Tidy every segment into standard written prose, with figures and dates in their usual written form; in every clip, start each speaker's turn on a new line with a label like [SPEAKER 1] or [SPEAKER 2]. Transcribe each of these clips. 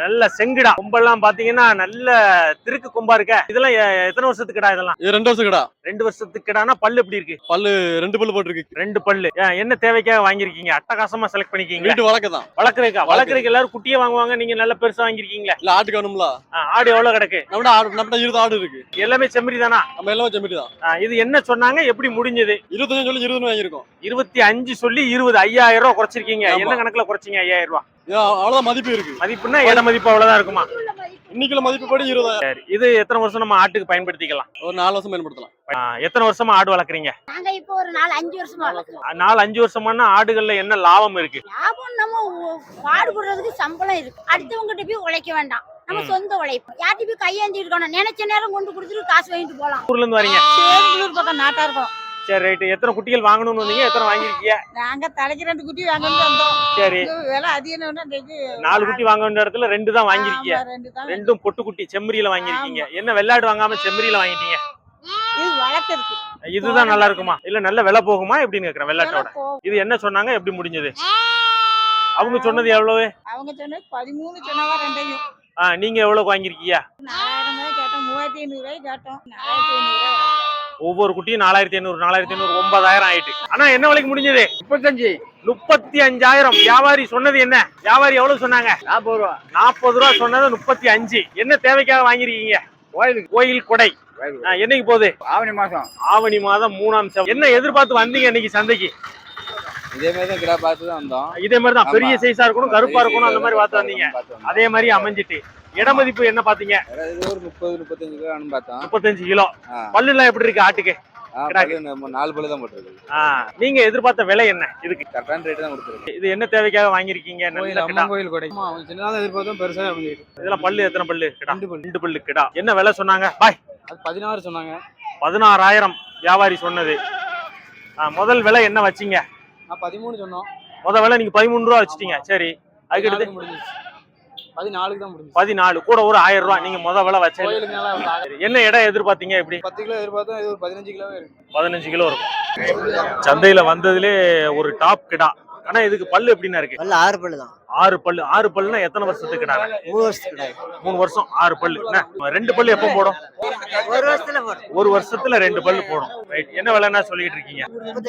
[SPEAKER 1] நல்ல செங்குடா கொம்பெல்லாம் பாத்தீங்கன்னா நல்ல திருக்கு கொம்பா இருக்க. இதெல்லாம் எத்தனை வருஷத்துக்கு கிடா இதெல்லாம்?
[SPEAKER 2] இது 2 வருஷம் கிடா.
[SPEAKER 1] 2 வருஷத்துக்கு கிடானா பல்லு எப்படி இருக்கு?
[SPEAKER 2] பல்லு 2 பல்லு போட்டுருக்கு.
[SPEAKER 1] 2 பல்லு. என்ன தேவைக்காக வாங்கிருக்கீங்க? அட்டகாசமா செலக்ட் பண்ணிருக்கீங்க.
[SPEAKER 2] வீட்டு வளர்க்கதான்.
[SPEAKER 1] வளர்க்கறதுக்கு எல்லாரும் குட்டியே வாங்குவாங்க, நீங்க நல்ல பெருசா வாங்கிருக்கீங்களா?
[SPEAKER 2] இல்ல ஆட்டுக்கு வேணும்ல.
[SPEAKER 1] ஆடு எவ்வளவு கிடக்கு?
[SPEAKER 2] நம்மட்ட 20 ஆடு இருக்கு.
[SPEAKER 1] எல்லாமே செம்மறி தானா?
[SPEAKER 2] நம்ம எல்லாமே செம்மறி தான்.
[SPEAKER 1] இது என்ன சொன்னாங்க, எப்படி முடிஞ்சது?
[SPEAKER 2] 25 சொல்லி 20 வாங்கிருக்கோம்.
[SPEAKER 1] 25 சொல்லி 20, 5000 ரூபாய் குறைச்சிருக்கீங்க. என்ன கணக்குல குறைச்சீங்க 5000 ரூபாய்?
[SPEAKER 2] அவ்வளவுதான் மதிப்பு இருக்கு.
[SPEAKER 1] மதிப்புன்னா இட மதிப்பு அவ்வளவுதான் இருக்குமா?
[SPEAKER 2] இன்னைக்குள்ள மதிப்பு படி 20,000.
[SPEAKER 1] சரி, இது எத்தனை வருஷம் நம்ம ஆட்டுக்கு பயன்படுத்திக்கலாம்?
[SPEAKER 2] ஒரு 4 வருஷம் பயன்படுத்தலாம்.
[SPEAKER 1] எத்தனை வருஷமா ஆடு வளர்க்குறீங்க?
[SPEAKER 3] நாங்க இப்போ ஒரு 4-5 வருஷமா வளர்க்குறோம்.
[SPEAKER 1] 4-5 வருஷமான ஆடுகள்ல என்ன லாபம் இருக்கு?
[SPEAKER 3] லாபம் நம்ம பாடுபடுறதுக்கு சம்பளம் இருக்கு. அடுத்தவங்கிட்ட போய் உழைக்க வேண்டாம், நம்ம சொந்த உழைப்பு. யார்கிட்ட போய் கையேந்தி இருக்கணும், நினைச்ச நேரம் கொண்டு கொடுத்துட்டு காசு வாங்கிட்டு போலாம்.
[SPEAKER 1] ஊர்ல இருந்து வரீங்க?
[SPEAKER 3] சேரிங்களூர் பக்கம் நாட்டா இருக்கோம்.
[SPEAKER 1] சரி ரைட். எத்தனை குட்டிகள் வாங்கணும்னு வந்தீங்க? எத்தனை வாங்கிருக்கீங்க?
[SPEAKER 3] நாங்க தலைக்கு 2 குட்டி வாங்கணும்னு வந்தோம்.
[SPEAKER 1] சரி,
[SPEAKER 3] விலை அதிகம்னா
[SPEAKER 1] 4 குட்டி வாங்க வேண்டிய இடத்துல 2 தான் வாங்கிருக்கீங்க. 2ம் பொட்டு குட்டி செம்மறியில வாங்கிருக்கீங்க. என்ன வெள்ளாடு வாங்காம செம்மறியில வாங்கிட்டீங்க?
[SPEAKER 3] இது வளர்க்கறதுக்கு.
[SPEAKER 1] இதுதான் நல்லா இருக்குமா இல்ல நல்ல விலை போகுமா எப்படின்னு கேக்குறேன் வெள்ளாட்டோட. இது என்ன சொன்னாங்க, எப்படி முடிஞ்சது? அவங்க சொன்னது எவ்வளவு?
[SPEAKER 3] அவங்க சொன்னது 13 சொன்னவா ரெண்டையும்.
[SPEAKER 1] நீங்க எவ்வளவு வாங்கிருக்கீங்க?
[SPEAKER 3] 4000 கேட்டோம், 3500 ரூபாய் கேட்டோம். 4500 ரூபாய்.
[SPEAKER 1] ஒவ்வொரு குட்டியும் 4500 9000 ஆயிட்டு. ஆனா என்ன விலைக்கு முடிஞ்சது? 35,000. வியாபாரி சொன்னது என்ன? வியாபாரி எவ்வளவு சொன்னாங்க? 40 ரூபா. 40 ரூபா சொன்னது 35. என்ன தேவைக்காக வாங்கிருக்கீங்க? கோயில் கொடை. என்னைக்கு போகுது? ஆவணி மாதம் 3ஆம் தேதி. என்ன எதிர்பார்த்து வந்தீங்க இன்னைக்கு சந்தைக்கு?
[SPEAKER 4] இதே மாதிரி தான் கிடா பார்த்து தான் வந்தோம்.
[SPEAKER 1] இதே மாதிரி தான் பெரிய சைஸா இருக்கணும், கருப்பா இருக்கணும், அந்த மாதிரி பார்த்து வந்தீங்க. அதே மாதிரி அமைஞ்சிட்டு. இட மதிப்பு என்ன பாத்தீங்க?
[SPEAKER 4] ஒரு 30-35 கிலோ பார்த்தோம்.
[SPEAKER 1] 35 கிலோ. பல்லு எல்லாம் எப்படி இருக்கு ஆட்டுக்கு?
[SPEAKER 4] 4 பல்லு தான் போட்டுருக்கு.
[SPEAKER 1] நீங்க எதிர்பார்த்த விலை என்ன இதுக்கு?
[SPEAKER 4] கரெக்டான ரேட் தான் கொடுத்துருக்கு.
[SPEAKER 1] இது என்ன தேவைக்காக வாங்கிருக்கீங்க?
[SPEAKER 4] கோயில் கொடை. சின்னதா எதிர்பார்த்தோம், பெருசா அமைஞ்சிருக்கு.
[SPEAKER 1] இதெல்லாம் பல்லு எத்தனை பல்லு? 2 பல்லு கிடா. என்ன விலை சொன்னாங்க? பாய்.
[SPEAKER 4] அது 16 சொன்னாங்க.
[SPEAKER 1] 16,000 வியாபாரி சொன்னது. முதல் விலை என்ன வச்சீங்க?
[SPEAKER 4] 13 சொன்னோம்.
[SPEAKER 1] முதல் விலை நீங்க 13 ரூபா வச்சிட்டீங்க. சரி, அதுக்கு அடுத்து
[SPEAKER 4] 14 தான் முடிஞ்சு.
[SPEAKER 1] 14 கூட ஒரு 1000 ரூபாய் நீங்க முதல் விலை வச்சீங்க. என்ன இடம் எதிர்பார்த்தீங்க? எப்படி?
[SPEAKER 4] 10 கிலோ எதிர்பார்த்தோம், இது ஒரு 15 கிலோவே இருக்கு.
[SPEAKER 1] 15 கிலோ இருக்கும். சந்தையில வந்ததுலே ஒரு டாப் கிடா. ஆனா இதுக்கு பல்லு எப்படின்னா இருக்கு?
[SPEAKER 5] பல்லு 6 பல்லு தான்.
[SPEAKER 1] 6 பல்லு. 6 பல்லுனா எத்தனை வருஷத்துக்கு கிடா?
[SPEAKER 5] 3 வருஷத்துக்கு கிடா.
[SPEAKER 1] 3 வருஷம் 6 பல்லு. 2 பல்லு எப்போ போடும்?
[SPEAKER 5] 1 வருஷத்துல போடும்.
[SPEAKER 1] 1 வருஷத்துல 2 பல்லு போடும். ரைட். என்ன விலைன்னா சொல்லிட்டு இருக்கீங்க?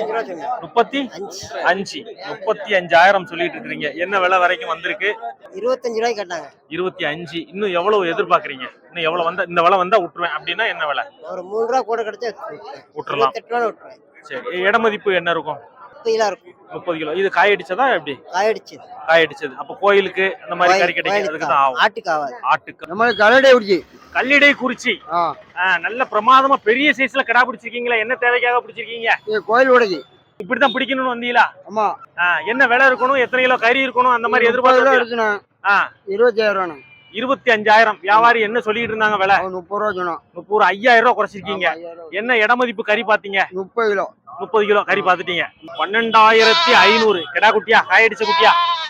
[SPEAKER 1] 35. 35,000 சொல்லிட்டு இருக்கீங்க. என்ன விலை வரைக்கும் வந்திருக்கு?
[SPEAKER 5] 25 ரூபாய் கேட்டாங்க.
[SPEAKER 1] 25. இன்னும் எவ்வளவு எதிர்பார்க்கறீங்க? இன்னும் எவ்வளவு வந்தா இந்த விலை வந்தா விட்டுருவேன் அப்படின்னா என்ன விலை?
[SPEAKER 5] ஒரு 3 ரூபாய் கூட கிடைச்சா
[SPEAKER 1] விட்டுறலாம்.
[SPEAKER 5] 28 ரூபாய் விட்டுருவேன்.
[SPEAKER 1] சரி, இட மதிப்பு என்ன இருக்கும்?
[SPEAKER 5] 30 கிலோ இருக்கும்.
[SPEAKER 1] 30 கிலோ. இது காயடிச்சதா எப்படி? காயடிச்சது. அப்ப கோயிலுக்கு அந்த மாதிரி கறி கிடைக்கிறதுக்கு தான் ஆகும்.
[SPEAKER 5] ஆட்டுக்கு ஆகாது.
[SPEAKER 1] ஆட்டுக்கு.
[SPEAKER 5] நம்ம கல்லடை
[SPEAKER 1] குறிச்சி. நல்ல பிரமாதமா பெரிய சைஸ்ல கிடா பிடிச்சிருக்கீங்களா? என்ன தேவைக்காக பிடிச்சிருக்கீங்க?
[SPEAKER 5] கோயில் உடைக்கு.
[SPEAKER 1] இப்படித்தான் பிடிக்கணும்னு வந்தீங்களா?
[SPEAKER 5] ஆமா.
[SPEAKER 1] என்ன விலை இருக்கணும், எத்தனை கிலோ கறி இருக்கணும், அந்த மாதிரி எதிர்பார்த்து?
[SPEAKER 5] 25,000 ரூபாய்.
[SPEAKER 1] 25,000. வியாபாரி என்ன சொல்லிட்டு இருந்தாங்க விலை?
[SPEAKER 5] 30 ரூபாய் சொன்னோம்.
[SPEAKER 1] 30. 5,000 ரூபாய் குறைச்சிருக்கீங்க. என்ன இட மதிப்பு கறி பாத்தீங்க?
[SPEAKER 5] 30 கிலோ.
[SPEAKER 1] 30 கிலோ கறி பாத்துட்டீங்க. 12,500. கிடா குட்டியா? காயடிச்ச குட்டியா?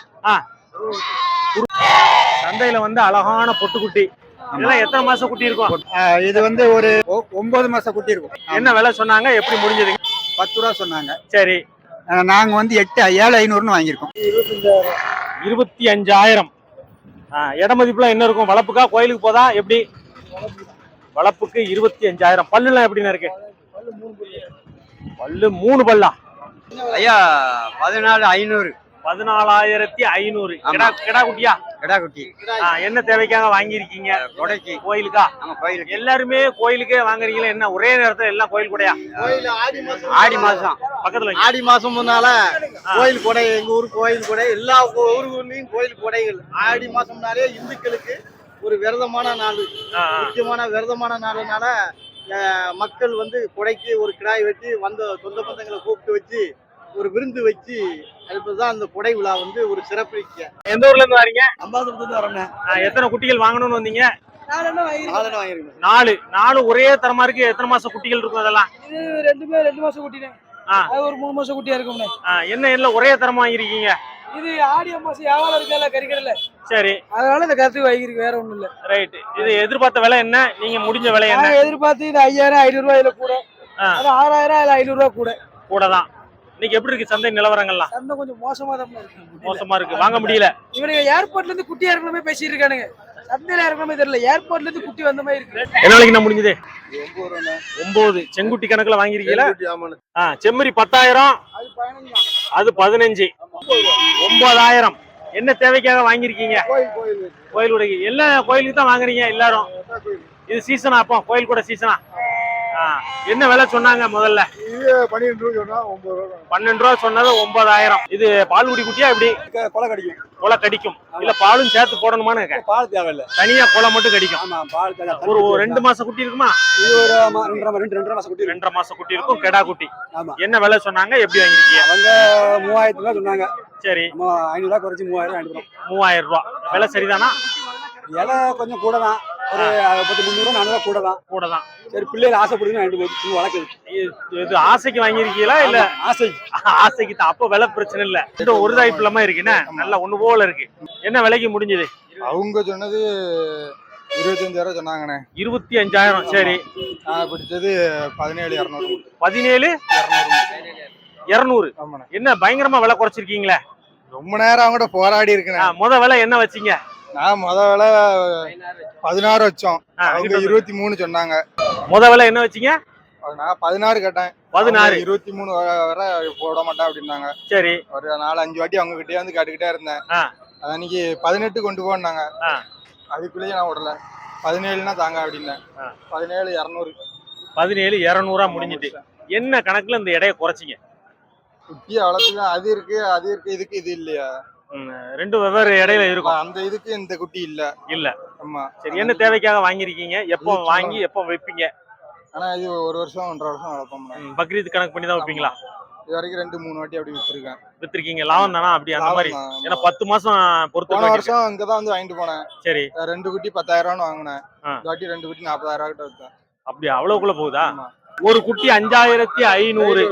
[SPEAKER 1] சந்தையில வந்து அழகான பொட்டு குட்டி. இதெல்லாம் எத்தனை மாசம் குட்டி இருக்கும்?
[SPEAKER 5] இது வந்து ஒரு 9 மாசம் குட்டி இருக்கும்.
[SPEAKER 1] என்ன விலை சொன்னாங்க, எப்படி முடிஞ்சது?
[SPEAKER 5] 10 ரூபாய் சொன்னாங்க.
[SPEAKER 1] சரி,
[SPEAKER 5] நாங்க வந்து 7,500 வாங்கியிருக்கோம்.
[SPEAKER 1] 25,000. இட மதிப்புலாம் என்ன இருக்கும்? வளப்புக்கா கோயிலுக்கு போதா எப்படி? வளப்புக்கு 25,000. பல்லுலாம் எப்படின்னு இருக்கு? பல்லு 3 பல்லா?
[SPEAKER 5] ஐயா 14,500.
[SPEAKER 1] 14,500. கிடா குட்டியா?
[SPEAKER 5] கிடா குட்டி.
[SPEAKER 1] என்ன தேவைக்காக வாங்கிருக்கீங்க?
[SPEAKER 5] கொடைக்கு.
[SPEAKER 1] கோயிலுக்கா?
[SPEAKER 5] கோயிலுக்கு.
[SPEAKER 1] எல்லாருமே கோயிலுக்கே வாங்குறீங்களா? என்ன ஒரே நேரத்துல எல்லாம் கோயில் கொடையா?
[SPEAKER 5] ஆடி மாசம்
[SPEAKER 1] பக்கத்துல.
[SPEAKER 5] ஆடி மாசம் முன்னால கோயில் கொடை. எங்க ஊர் கோயில் கொடை. எல்லா ஊர்களையும் கோயில் கொடைகள். ஆடி மாசம்னாலே இந்துக்களுக்கு ஒரு விரதமான நாள், முக்கியமான விரதமான நாளுனால மக்கள் வந்து கொடைக்கு ஒரு கிடாய் வெட்டி வந்த சொந்த பந்தங்களை கூப்பிட்டு வச்சு ஒரு விருந்து வச்சு அதுதான் அந்த கொடை விழா வந்து ஒரு சிறப்பு.
[SPEAKER 1] எந்த ஊர்ல இருந்து வரீங்க?
[SPEAKER 5] அம்பாசத்துல வரேன்.
[SPEAKER 1] எத்தனை குட்டிகள் வாங்கணும்னு வந்தீங்க?
[SPEAKER 5] 4.
[SPEAKER 1] 4 ஒரே தரமா இருக்கு. எத்தனை மாசம் குட்டிகள் இருக்கும் அதெல்லாம்?
[SPEAKER 6] இது 2 மாசம் குட்டினே. அது ஒரு 3 மாசம் குட்டியா இருக்கும்னே.
[SPEAKER 1] என்ன எல்லாம் ஒரே தரமா வாங்கிருக்கீங்க?
[SPEAKER 6] இது ஆடி அமாசை வியாபாரம் இருக்கல கறிக்கடல.
[SPEAKER 1] சரி,
[SPEAKER 6] அதனால இந்த கருத்து வாங்கிருக்கு, வேற ஒண்ணும் இல்ல.
[SPEAKER 1] ரைட். இது எதிர்பார்த்த விலை என்ன? நீங்க முடிஞ்ச விலை என்ன?
[SPEAKER 6] எதிர்பார்த்து இது 5,000 500 ரூபாய் கூட. அது 6,000 இல்ல 500 ரூபாய் கூட.
[SPEAKER 1] தான். இன்னைக்கு எப்படி இருக்கு சந்தை நிலவரங்கள்லாம்?
[SPEAKER 6] சந்தை கொஞ்சம் மோசமா தான் இருக்கு.
[SPEAKER 1] மோசமா இருக்கு, வாங்க முடியல.
[SPEAKER 6] இவனுங்க ஏர்போர்ட்ல இருந்து குட்டி இறக்கணுமே பேசிட்டு இருக்கானுங்க. சந்தையில இறக்கணுமே தெரியல, ஏர்போர்ட்ல இருந்து குட்டி வந்த மாதிரி இருக்கு.
[SPEAKER 1] என்ன விலைக்கு நான் முடிஞ்சது? 9. செங்குட்டி கணக்குல வாங்கிருக்கீங்களா? செம்மறி 10,000, அது 15. 9,000. என்ன தேவைக்காக வாங்கிருக்கீங்க? கோயிலுடைய எல்லா கோயிலுக்கு தான் வாங்குறீங்க எல்லாரும்? இது சீசனா? அப்போ கோயில் கூட சீசனா? என்ன விலை சொன்னாங்க முதல்ல? 12 ரூபா சொன்னது 9,000. இது பால்குடி குட்டியா எப்படி?
[SPEAKER 2] கொலை கடிக்கும்.
[SPEAKER 1] கொலை கடிக்கும் இல்ல பாலும் சேர்த்து போடணுமான்னு கேட்க?
[SPEAKER 2] பால் தேவையில்லை,
[SPEAKER 1] தனியா கொலை மட்டும் கடிக்கும்.
[SPEAKER 2] ஆமா பால் தேவை.
[SPEAKER 1] ஒரு 2 மாசம் குட்டி இருக்குமா?
[SPEAKER 2] இது ஒரு 2.5 மாசம் குட்டி.
[SPEAKER 1] 2.5 மாசம் குட்டி இருக்கும், கெடா குட்டி.
[SPEAKER 2] ஆமா.
[SPEAKER 1] என்ன விலை சொன்னாங்க, எப்படி வாங்கிருக்கீங்க?
[SPEAKER 2] அவங்க 3000 ரூபாய் சொன்னாங்க.
[SPEAKER 1] சரி,
[SPEAKER 2] 500 ரூபாய் குறைச்சி 3000 வாங்கிடுறோம்.
[SPEAKER 1] 3000 ரூபாய் விலை சரிதானா?
[SPEAKER 2] இலை கொஞ்சம் கூட தான், ஒரு 300 400 கூட தான்.
[SPEAKER 1] கூட தான்.
[SPEAKER 2] சரி, பிள்ளைகள் ஆசைப்படுதுன்னு வாங்கிட்டு போய் வளர்க்குது.
[SPEAKER 1] இது ஆசைக்கு வாங்கிருக்கீங்களா இல்ல?
[SPEAKER 2] ஆசை.
[SPEAKER 1] ஆசைக்கு தான். அப்ப விலை பிரச்சனை இல்ல. இன்னும் ஒரு தாய்ப்பு இல்லாம இருக்குன்னா நல்லா ஒண்ணு போல இருக்கு. என்ன விலைக்கு முடிஞ்சது?
[SPEAKER 7] அவங்க சொன்னது 25,000 சொன்னாங்கண்ணே.
[SPEAKER 1] 25,000. சரி,
[SPEAKER 7] நான் பிடிச்சது 17,200.
[SPEAKER 1] 17,200.
[SPEAKER 7] ஆமாண்ணே.
[SPEAKER 1] என்ன பயங்கரமா விலை குறைச்சிருக்கீங்களே?
[SPEAKER 7] ரொம்ப நேரம் அவங்க போராடி இருக்கேன்.
[SPEAKER 1] முத விலை என்ன வச்சீங்க?
[SPEAKER 7] நான் முத விலை 16 வச்சோம், அவங்க 23 சொன்னாங்க.
[SPEAKER 1] முத விலை என்ன வச்சீங்க?
[SPEAKER 7] நான் 16 கேட்டேன்.
[SPEAKER 1] 16.
[SPEAKER 7] 23 வரை போட மாட்டேன் அப்படின்னாங்க.
[SPEAKER 1] சரி,
[SPEAKER 7] ஒரு 4-5 வாட்டி அவங்க கிட்டே வந்து கேட்டுக்கிட்டே இருந்தேன். அன்னைக்கு 18 கொண்டு போனாங்க. அதுக்குள்ளேயே நான் விடல. 17னா தாங்க அப்படின்னேன். 17,200.
[SPEAKER 1] 17,200 முடிஞ்சிட்டு. என்ன கணக்குல இந்த எடையை குறைச்சிங்க?
[SPEAKER 7] குட்டியை வளர்த்துதான் அது இருக்கு, அது இருக்கு, இதுக்கு இது இல்லையா?
[SPEAKER 1] 2 வெவ்வேறு இடையில இருக்கும்.
[SPEAKER 7] அந்த இதுக்கு இந்த குட்டி இல்ல.
[SPEAKER 1] இல்ல.
[SPEAKER 7] ஆமா.
[SPEAKER 1] சரி, என்ன தேவைக்காக வாங்கிருக்கீங்க? எப்போ வாங்கி எப்போ வைப்பீங்க?
[SPEAKER 7] ஆனா இது 1 வருஷம் 1.5 வருஷம் வளர்ப்போம்.
[SPEAKER 1] பக்ரீத் கணக்கு பண்ணி தான் வைப்பீங்களா?
[SPEAKER 7] இது வரைக்கும் 2-3 வாட்டி அப்படி வித்துருக்கேன்.
[SPEAKER 1] வித்துருக்கீங்க? லாபம் தானா? அப்படி அந்த மாதிரி? ஏன்னா 10 மாசம் பொறுத்து.
[SPEAKER 7] போன வருஷம் இங்கதான் வந்து வாங்கிட்டு போனேன்.
[SPEAKER 1] சரி,
[SPEAKER 7] 2 குட்டி 10,000 வாங்கினேன். இந்த வாட்டி 2 குட்டி 40,000 கிட்ட வித்தேன்.
[SPEAKER 1] அப்படி அவ்வளவுக்குள்ள போகுதா? ஒரு குட்டி 5,500.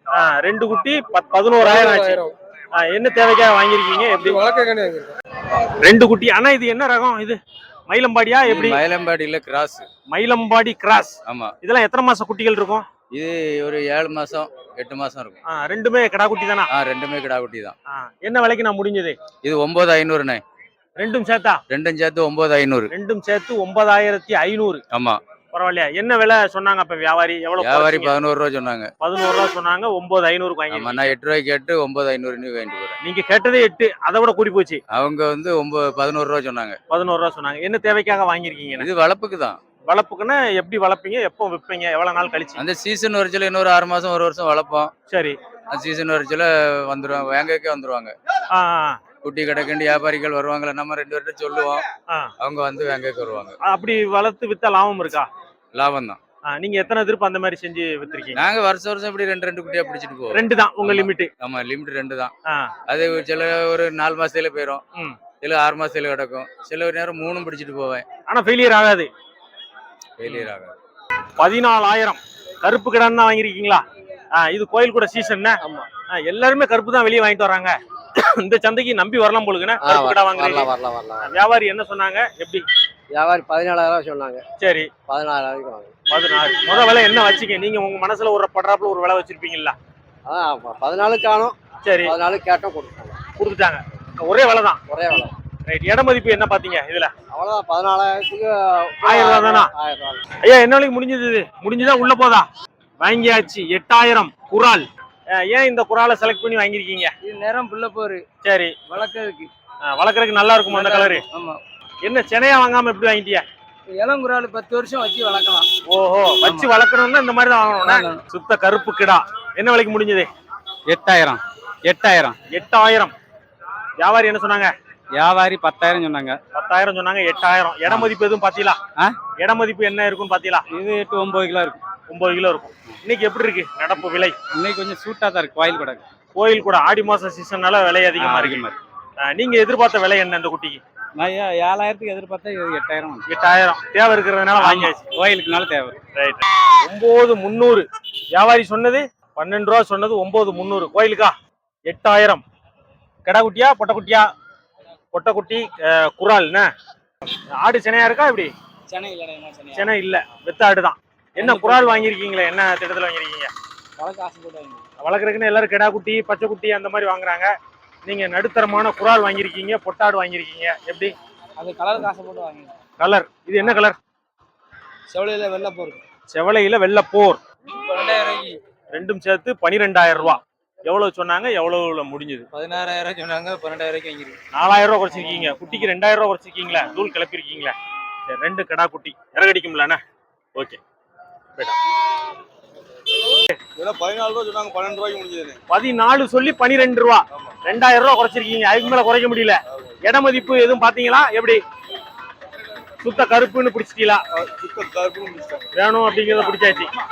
[SPEAKER 1] 2 குட்டி 11,000 ஆச்சு. என்ன தேவைக்காக வாங்கிருக்கீங்க? எப்படி
[SPEAKER 4] வளர்க்க
[SPEAKER 1] 2 குட்டி? ஆனா இது என்ன ரகம்? இது மயிலம்பாடியா எப்படி?
[SPEAKER 8] மயிலம்பாடியில கிராஸ்.
[SPEAKER 1] மயிலம்பாடி கிராஸ்.
[SPEAKER 8] ஆமா.
[SPEAKER 1] இதெல்லாம் எத்தனை மாசம் குட்டிகள் இருக்கும்?
[SPEAKER 8] இது ஒரு 7 மாசம் 8 மாசம் இருக்கும்.
[SPEAKER 1] ரெண்டுமே கிடா குட்டி தானா?
[SPEAKER 8] ரெண்டுமே கிடா குட்டி தான்.
[SPEAKER 1] என்ன விலைக்கு நான் முடிஞ்சது?
[SPEAKER 8] இது 9,500ண்ணே.
[SPEAKER 1] ரெண்டும் சேர்த்தா?
[SPEAKER 8] ரெண்டும் சேர்த்து 9,500.
[SPEAKER 1] ரெண்டும் சேர்த்து 9,500.
[SPEAKER 8] ஆமா.
[SPEAKER 1] பரவாயில்லையா? என்ன விலை சொன்னாங்க அப்ப வியாபாரி? எவ்வளவு?
[SPEAKER 8] வியாபாரி 11 ரூபா சொன்னாங்க.
[SPEAKER 1] 11 ரூபா சொன்னாங்க. 9,500 வாங்கி.
[SPEAKER 8] நான் 8 ரூபாய்க்கு கேட்டு 9,500 வாங்கிட்டு போறேன்.
[SPEAKER 1] நீங்க கேட்டதே 8, அதை விட கூடி போச்சு.
[SPEAKER 8] அவங்க வந்து 11 ரூபா சொன்னாங்க.
[SPEAKER 1] 11 ரூபா சொன்னாங்க. என்ன தேவைக்காக வாங்கிருக்கீங்க?
[SPEAKER 8] இது வளர்ப்புக்கு தான்.
[SPEAKER 1] வளர்ப்புக்குன்னா எப்படி வளர்ப்பீங்க? எப்போ விற்பீங்க? எவ்வளவு நாள் கழிச்சு?
[SPEAKER 8] அந்த சீசன் வரச்சில இன்னொரு 6 மாசம் 1 வருஷம் வளர்ப்போம்.
[SPEAKER 1] சரி,
[SPEAKER 8] அந்த சீசன் வரச்சில வந்துருவாங்க, வேங்கக்கே வந்துருவாங்க. குட்டி கிடக்குண்டு வியாபாரிகள் வருவாங்களே, நம்ம 2 பேர்ட்ட சொல்லுவோம், அவங்க வந்து வேங்கக்கு வருவாங்க.
[SPEAKER 1] அப்படி வளர்த்து வித்தா லாபம் இருக்கா?
[SPEAKER 8] லாபம் தான்.
[SPEAKER 1] நீங்க எத்தனை திருப்ப அந்த மாதிரி செஞ்சு வித்துருக்கீங்க?
[SPEAKER 8] நாங்க வருஷம் இப்படி 2 குட்டியா பிடிச்சிட்டு போவோம்.
[SPEAKER 1] 2 தான் உங்க லிமிட்?
[SPEAKER 8] ஆமா, லிமிட் 2 தான். அது சில ஒரு 4 மாசத்துல போயிடும், சில 6 மாசத்துல கிடக்கும், சில ஒரு நேரம் 3 பிடிச்சிட்டு போவேன்.
[SPEAKER 1] ஆனா ஃபெயிலியர் ஆகாது.
[SPEAKER 8] ஃபெயிலியர் ஆகாது.
[SPEAKER 1] 14,000 கருப்பு கிடான்னு தான் வாங்கிருக்கீங்களா? இது கோயில் கூட சீசன். எல்லாருமே கருப்பு தான் வெளியே வாங்கிட்டு வராங்க. இந்த சந்தைக்கு நம்பி வரலாம் போலுக்குன்னா கருப்பு கிடா வாங்குறீங்க. வியாபாரி என்ன சொன்னாங்க? எப்படி
[SPEAKER 9] வியாபாரி 14,000 சொன்னாங்க.
[SPEAKER 1] சரி,
[SPEAKER 9] 14,000 வாங்க.
[SPEAKER 1] 16. முத விலை என்ன வச்சீங்க நீங்க? உங்க மனசுல ஒரு படுறாப்புல ஒரு விலை வச்சிருப்பீங்களா?
[SPEAKER 9] 14 காணும்.
[SPEAKER 1] சரி,
[SPEAKER 9] 14 கேட்டோம், கொடுத்துட்டாங்க.
[SPEAKER 1] ஒரே விலை தான்.
[SPEAKER 9] ஒரே விலை.
[SPEAKER 1] ரைட். இட மதிப்பு என்ன பாத்தீங்க இதுல?
[SPEAKER 9] அவ்வளவுதான், 14,000க்கு
[SPEAKER 1] 1000 ரூபா தானா?
[SPEAKER 9] 1000 ரூபா.
[SPEAKER 1] ஐயா, என்ன விலைக்கு முடிஞ்சது? இது முடிஞ்சுதா? உள்ள போதா? வாங்கியாச்சு. 8,000 குரால். ஏன் இந்த குராலை செலக்ட் பண்ணி வாங்கிருக்கீங்க?
[SPEAKER 9] இது நேரம் புள்ள போரு.
[SPEAKER 1] சரி,
[SPEAKER 9] வளர்க்கறதுக்கு.
[SPEAKER 1] வளர்க்கறதுக்கு நல்லா இருக்கும் அந்த கலரு.
[SPEAKER 9] ஆமா.
[SPEAKER 1] என்ன சென்னையா வாங்காம எப்படி வாங்கிட்டியா?
[SPEAKER 9] இளங்குறால் 10 வருஷம் வச்சு வளர்க்கலாம்.
[SPEAKER 1] ஓஹோ, வச்சு வளர்க்கணும்னா இந்த மாதிரி தான் வாங்கணும். சுத்த கருப்பு கிடா. என்ன விலைக்கு முடிஞ்சது?
[SPEAKER 10] 8,000.
[SPEAKER 1] 8,000. வியாபாரி என்ன சொன்னாங்க?
[SPEAKER 10] வியாபாரி 10,000 சொன்னாங்க.
[SPEAKER 1] 10,000 சொன்னாங்க. 8,000. இட மதிப்பு எதுவும் பாத்தீங்களா? இட மதிப்பு என்ன இருக்குன்னு பாத்தீங்களா?
[SPEAKER 10] இது 8-9 கிலோ இருக்கும்.
[SPEAKER 1] 9 கிலோ இருக்கும். இன்னைக்கு எப்படி இருக்கு நடப்பு விலை?
[SPEAKER 10] இன்னைக்கு கொஞ்சம் சூட்டா தான் இருக்கு. கோயில் கூட
[SPEAKER 1] கோயில் கூட ஆடி மாசம் சீசன்னால விலை அதிகமா இருக்கு. நீங்க எதிர்பார்த்த விலை என்ன இந்த குட்டிக்கு?
[SPEAKER 10] நான் 7,000க்கு எதிர்பார்த்தா 8,000.
[SPEAKER 1] 8,000 தேவை இருக்கிறதுனால வாங்கியாச்சு.
[SPEAKER 10] கோயிலுக்குனால தேவை.
[SPEAKER 1] ரைட். 9,300 வியாபாரி சொன்னது. 12 ரூபா சொன்னது. 9,300 கோயிலுக்கா? 8,000. கடா குட்டியா பொட்டக்குட்டியா? பொட்டக்குட்டி குரால். ஆடு சென்னையா இருக்கா? இப்படி சென்னை இல்ல, வெத்த ஆடு தான். என்ன குரால் வாங்கிருக்கீங்களா? என்ன திட்டத்துல வாங்கிருக்கீங்க?
[SPEAKER 4] வளர்க்க ஆசை போட்டு வாங்கி
[SPEAKER 1] வளர்க்குறதுக்குன்னு எல்லாரும் கிடா குட்டி பச்சை குட்டி அந்த மாதிரி வாங்குறாங்க. நீங்க நடுத்தரமான குறால் வாங்கியிருக்கீங்க, பொட்டாடு வாங்கியிருக்கீங்க. எப்படி?
[SPEAKER 4] அது கலருக்கு ஆசை போட்டு வாங்கி.
[SPEAKER 1] கலர் இது என்ன கலர்?
[SPEAKER 4] செவலையில வெள்ளை போருக்கு
[SPEAKER 1] செவலையில வெள்ளப்போர்.
[SPEAKER 4] 12,000 ரூபாய்க்கு.
[SPEAKER 1] ரெண்டும் சேர்த்து 12,000 ரூபா. எவ்வளவு சொன்னாங்க, எவ்வளவுல முடிஞ்சது?
[SPEAKER 4] 16,000 சொன்னாங்க, 12,000 ரூபாய்க்கு வாங்கிருக்கு.
[SPEAKER 1] 4,000 ரூபா குறைச்சிருக்கீங்க. குட்டிக்கு 2,000 ரூபா குறைச்சிருக்கீங்களா? தூள் கிளப்பிருக்கீங்களா? சரி, 2 கடா குட்டி இறகடிக்கும்லண்ணா. ஓகே,
[SPEAKER 7] 14 ரூபா சொன்னாங்க, 12 ரூபாய்க்கு முடிஞ்சது.
[SPEAKER 1] 14 சொல்லி 12 ரூபா. 2,000 ரூபா குறைச்சிருக்கீங்க. அதுக்கு மேல குறைக்க முடியல. இட மதிப்பு எதுவும் பாத்தீங்களா? எப்படி சுத்த கருப்புன்னு பிடிச்சிட்டீங்களா?
[SPEAKER 7] சுத்த கருப்புன்னு முடிச்சிட்டாங்க.
[SPEAKER 1] வேணும் அப்படிங்கறத பிடிச்சாச்சு.